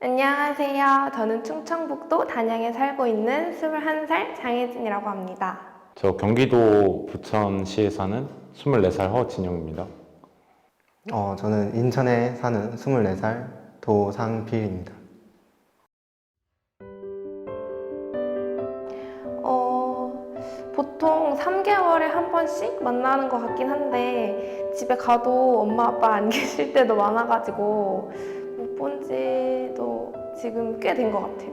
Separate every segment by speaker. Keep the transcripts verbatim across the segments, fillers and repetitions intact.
Speaker 1: 안녕하세요. 저는 충청북도 단양에 살고 있는 스물한 살 장혜진이라고 합니다.
Speaker 2: 저 경기도 부천시에 사는 스물네 살 허진영입니다.
Speaker 3: 어, 저는 인천에 사는 스물네 살 도상필입니다.
Speaker 1: 어, 보통 삼 개월에 한 번씩 만나는 것 같긴 한데 집에 가도 엄마 아빠 안 계실 때도 많아가지고 못 본 지도 지금 꽤 된 것 같아요.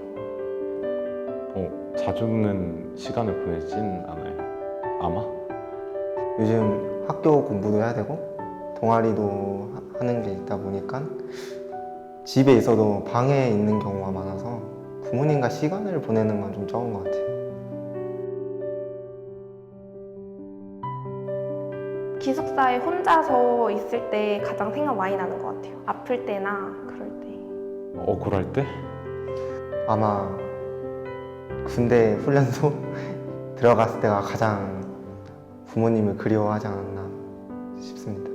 Speaker 2: 어, 자주는 시간을 보내진 않아요. 아마?
Speaker 3: 요즘 학교 공부도 해야 되고 동아리도 하- 하는 게 있다 보니까 집에 있어도 방에 있는 경우가 많아서 부모님과 시간을 보내는 건 좀 적은 것 같아요.
Speaker 1: 기숙사에 혼자서 있을 때 가장 생각 많이 나는 것 같아요. 아플 때나 그럴 때.
Speaker 2: 억울할 때?
Speaker 3: 아마 군대 훈련소 들어갔을 때가 가장 부모님을 그리워하지 않았나 싶습니다.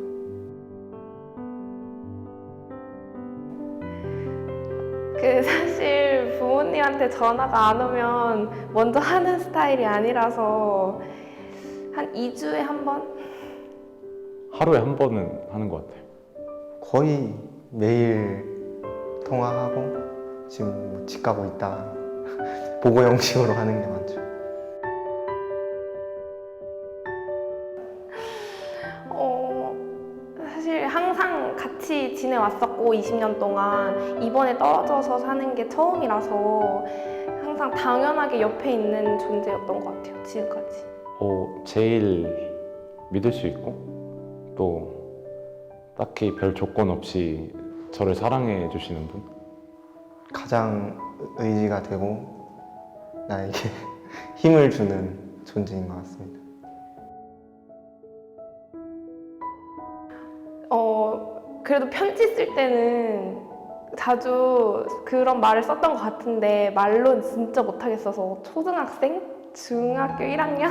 Speaker 1: 그 사실 부모님한테 전화가 안 오면 먼저 하는 스타일이 아니라서 한 이 주에 한 번?
Speaker 2: 하루에 한 번은 하는 것 같아요.
Speaker 3: 거의 매일 통화하고 지금 뭐 집 가고 있다 보고 형식으로 하는 게 많죠.
Speaker 1: 어, 사실 항상 같이 지내왔었고 이십 년 동안 이번에 떨어져서 사는 게 처음이라서 항상 당연하게 옆에 있는 존재였던 것 같아요, 지금까지.
Speaker 2: 어, 제일 믿을 수 있고 또 딱히 별 조건 없이 저를 사랑해 주시는 분?
Speaker 3: 가장 의지가 되고 나에게 힘을 주는 존재인 것 같습니다.
Speaker 1: 어, 그래도 편지 쓸 때는 자주 그런 말을 썼던 것 같은데 말로는 진짜 못하겠어서 초등학생? 중학교 일 학년?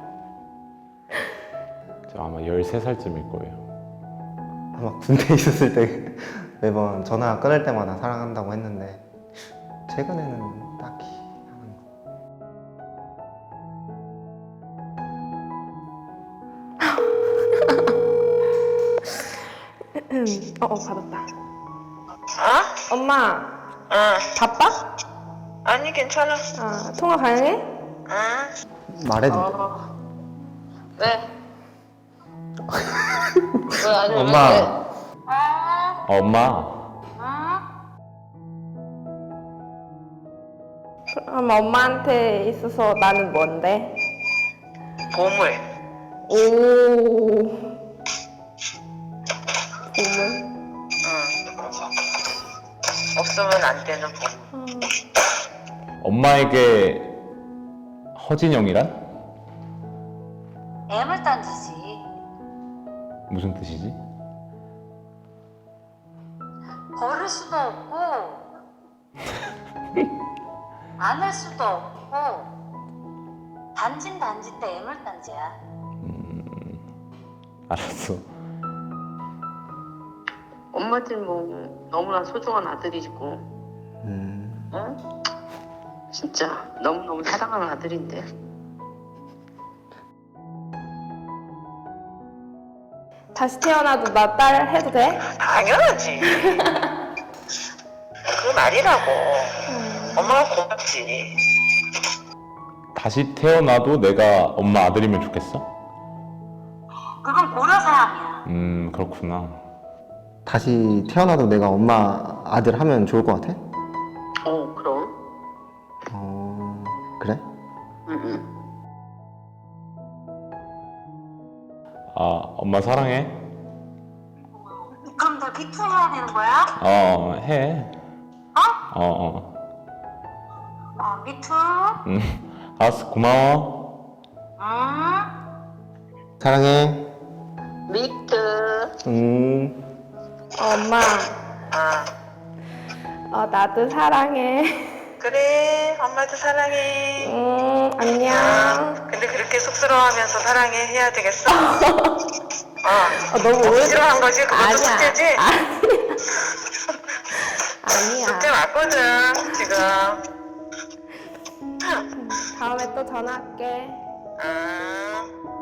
Speaker 2: 저 아마 열세 살쯤일 거예요.
Speaker 3: 아마 군대에 있었을 때 매번 전화 끊을 때마다 사랑한다고 했는데 최근에는 딱히 하는 거.
Speaker 1: 어, 어, 받았다.
Speaker 4: 어?
Speaker 1: 엄마,
Speaker 4: 응.
Speaker 1: 바빠?
Speaker 4: 아니 괜찮아.
Speaker 1: 아, 통화 가능해?
Speaker 4: 응.
Speaker 3: 말해도 돼.
Speaker 4: 어. 왜? 왜 아니 왜?
Speaker 3: 엄마.
Speaker 4: 왜?
Speaker 2: 어, 엄마,
Speaker 1: 그럼 엄마한테 있어서 나는 뭔데?
Speaker 4: 보물.
Speaker 1: 오, 보물?
Speaker 4: 응. 없으면 안 되는 보물.
Speaker 2: 엄마에게 허진영이란?
Speaker 5: 애물단지지.
Speaker 2: 무슨 뜻이지?
Speaker 5: 버릴 수도 없고 안할 수도 없고 단진 단지 때 애물단지야.
Speaker 2: 알았어.
Speaker 4: 엄마들 뭐 너무나 소중한 아들이고,
Speaker 3: 음,
Speaker 4: 응? 진짜 너무 너무 사랑하는 아들인데.
Speaker 1: 다시 태어나도 나 딸 해도 돼?
Speaker 4: 당연하지. 그 말이라고. 엄마가 고맙지.
Speaker 2: 다시 태어나도 내가 엄마 아들이면 좋겠어?
Speaker 5: 그건 고려사항이야.
Speaker 2: 음, 그렇구나.
Speaker 3: 다시 태어나도 내가 엄마 아들 하면 좋을 것 같아?
Speaker 4: 어 그럼.
Speaker 3: 어, 그래?
Speaker 4: 응.
Speaker 2: 아, 엄마 사랑해?
Speaker 5: 그럼 너 비투해야 되는 거야?
Speaker 2: 어, 해.
Speaker 5: 어?
Speaker 2: 어, 어.
Speaker 5: 어, 미투.
Speaker 2: 음, 알았어, 고마워.
Speaker 5: 응?
Speaker 3: 사랑해.
Speaker 4: 미트.
Speaker 3: 음.
Speaker 1: 어, 엄마,
Speaker 4: 아
Speaker 1: 어, 나도 사랑해.
Speaker 4: 그래. 엄마도 사랑해.
Speaker 1: 음, 안녕.
Speaker 4: 근데 그렇게 쑥스러워하면서 사랑해 해야 되겠어? 어.
Speaker 1: 어, 너무
Speaker 4: 너무
Speaker 1: 오래
Speaker 4: 싫어한 거지? 그것도
Speaker 1: 아니야.
Speaker 4: 숙제지?
Speaker 1: 아니야. 아니야.
Speaker 4: 숙제 맞거든, 지금.
Speaker 1: 다음에 또 전화할게.
Speaker 4: 아.